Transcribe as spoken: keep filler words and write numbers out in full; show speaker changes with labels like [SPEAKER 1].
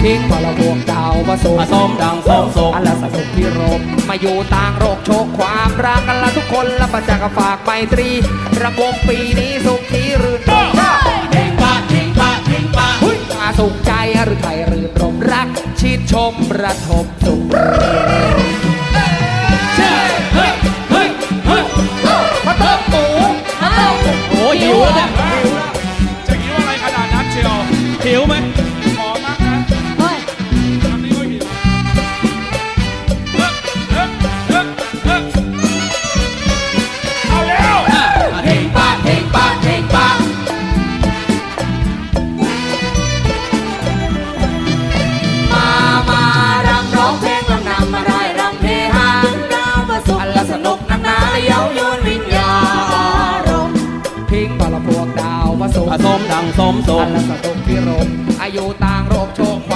[SPEAKER 1] ทิ้งพลพวกดาวผสมผสมดังสมสมอันละสนุกที่รมมาอยู่ต่างโรคโชคความรักกันละทุกคนละประจักษ์ฝากไมตรีรำวงปีนี้สุขีรื่นรมเพ่งปะเพ่งปะเพ่งปะมาสุขใจหรือไทยรื่นรมรักชิดชมระทมสุขเฮ้ยเฮ้ยเฮ้ยมาเติมหมูมาเติมหมูโอ้หิวแล้วเนี่ย
[SPEAKER 2] จะหิวอะไรขนาดนั้นเชียว
[SPEAKER 1] หิวไหม
[SPEAKER 2] ขอมากนะเฮ้ยทำนี้ก็หิวเอาแล้ว
[SPEAKER 1] เพ่งปะเพ่งปะเพ่งปะมามารำร้องเพลงลำนำมาได้รำเพฮาดาวมาสุขอันละสนุกนักหนาเย้ายวนวิญญาณพิงพลพวกดาวผสมผสมดังสมสมอันละสนุกที่รมอายุต่างโรคโช